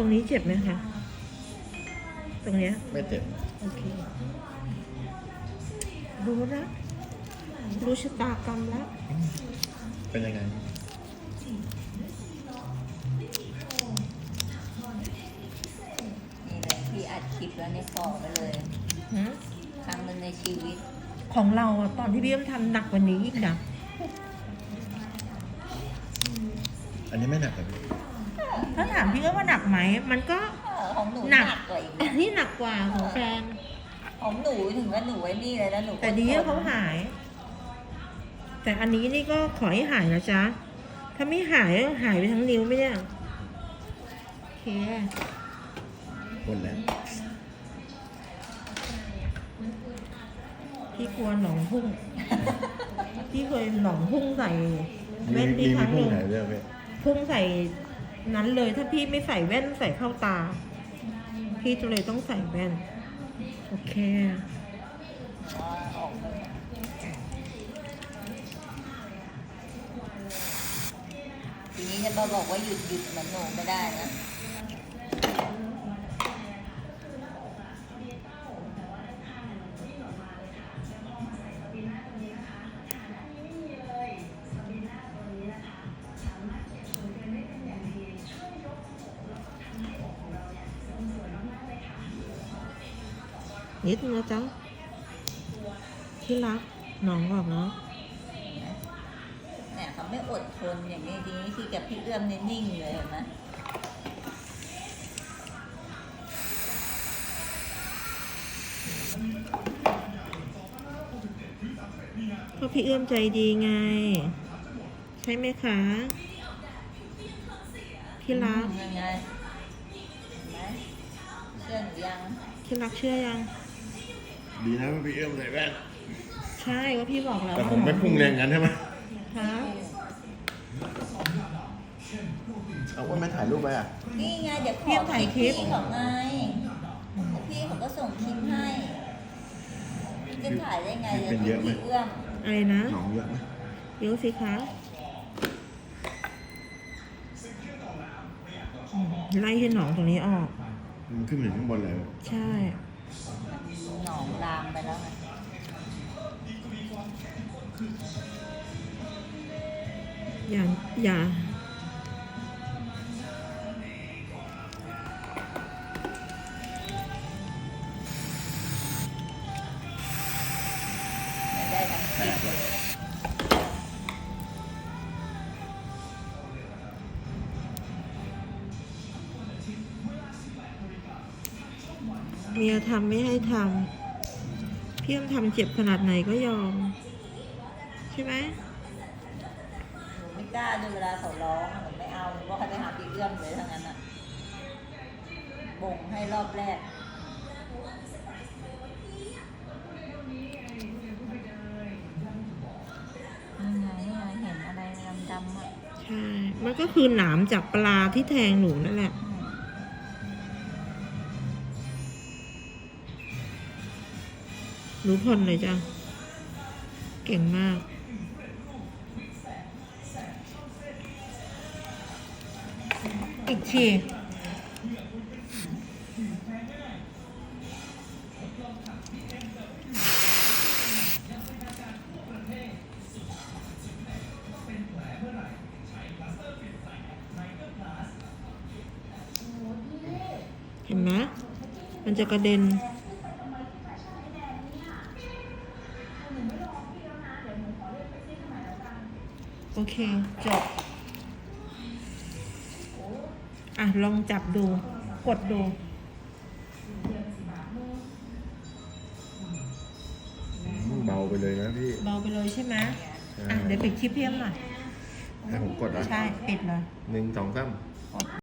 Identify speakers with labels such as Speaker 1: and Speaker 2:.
Speaker 1: รงนี้เจ็บไหมคะตรงเนี้ย
Speaker 2: ไม่เจ็บ
Speaker 1: โอเครู้แล้วรู้ชะตากรรมแล้ว
Speaker 2: เป็นยังไง
Speaker 3: นี่เลยพี่อัดคลิปแล้วเนี่ยขอไปเลยครั้งหนึ่งในชีวิต
Speaker 1: ของเราอะตอนที่พี่เอ็มทำหนักกว่านี้อีกนะ
Speaker 2: อันนี้ไม่หนักเลย
Speaker 1: ถ้าถามพี่เอ็มว่าหนักไหมมันก็
Speaker 3: ของหนู
Speaker 1: ห
Speaker 3: ห
Speaker 1: นั
Speaker 3: นั
Speaker 1: ก
Speaker 3: กกว่าอีก
Speaker 1: อั
Speaker 3: นะ
Speaker 1: นนี้หนักกว่าของแฟน
Speaker 3: ของหนูถึงว่าหนูไว้นี่เลยนะหนู
Speaker 1: แต่ดีที่เขาหาย แต่อันนี้นี่ก็ขอให้หายนะจ๊ะ ถ้าไม่หายก็หายไปทั้งนิ้วไหมเนี่ยโอเค
Speaker 2: หมดแล้ว
Speaker 1: พี่กลัวหนองพุ่ง พี่เคยหนองพุ่งใส่
Speaker 2: มี
Speaker 1: แว่นพี่ครั้งห
Speaker 2: พุ่ง
Speaker 1: นึ่ง
Speaker 2: หายเรื่องไหม
Speaker 1: พุ่งใส่นั้นเลย ถ้าพี่ไม่ใส่แว่นใส่เข้าตา พี่จะเลยต้องใส่แว่น โอเค
Speaker 3: ออกเลยทีนี้จะมาบอกว่าหยุดเหมือนหนูไม่ได้นะ
Speaker 1: นิดนึงนะจ๊ะที่รักหนองออกเนาะ
Speaker 3: เนี่ยเขาไม่อดทนอย่างนี้ทีนี้ที่กับพี่เอื้อมเนี่ยนิ่งเลยเห็นไหม
Speaker 1: เพราะพี่เอื้อมใจดีไง ใช่ไหมคะที่รัก
Speaker 3: ยังไงเห็นไหมเชื่อหนูยัง
Speaker 1: ที่รักเชื่อยัง
Speaker 2: ดีนะว่าพี่เอื้อมใส่แว่น
Speaker 1: ใช่ก็พี่บอกแล้ว
Speaker 2: แต่ผมไม่พุ่งแรงงั้นใช่ไหม
Speaker 1: คะ
Speaker 2: เอาว่าไม่ถ่ายรูปไปอ่ะ
Speaker 3: นี่ไงเดี๋ยวขอคลิปพี่ของไงพี่เขาก็ส่งคลิปให้จะถ่ายได้ไงเดี๋ยวพี่เอื้อม
Speaker 1: อะไรนะ
Speaker 2: หนองเยอะไหม
Speaker 1: เดี๋ยวสิคะไล่ให้หนองตรงนี้ออก
Speaker 2: มันขึ้นมาถึงข้างบนเลย
Speaker 1: ใช่
Speaker 3: หนองลามไปแล้วไง
Speaker 1: อย่า
Speaker 3: ไม่ได้ทั้งคลิปเลย
Speaker 1: เมียทำไม่ให้ทำพี่เอื้อมทำเจ็บขนาดไหนก็ยอม ใช่ไหม
Speaker 3: หนูไม่กล้าด้วยเวลาเขาร้องหนูไม่เอาหนูก็ให้ไปหาพี่เอื้อมเลยทั้งนั้นอ่ะบ่งให้รอบแรกนี่ไงเห็นอะไรดำๆอ่ะ
Speaker 1: ใช่ มันก็คือหนามจากปลาที่แทงหนูนั่นแหละ รู้ผลเลยจ้ะ เก่งมาก อีกทีเห็นไหมมันจะกระเด็น โอเค จบ อ่ะ ลองจับดู กดดู
Speaker 2: เบาไปเลยนะพี่
Speaker 1: เบาไปเลยใช่ไหม
Speaker 2: ใช่
Speaker 1: อ่ะ เดี๋ยวปิดคลิปเพียมหน่อย
Speaker 2: ให้ผมกดอ่ะ
Speaker 1: ใช่ ปิดเลย
Speaker 2: 1 2 3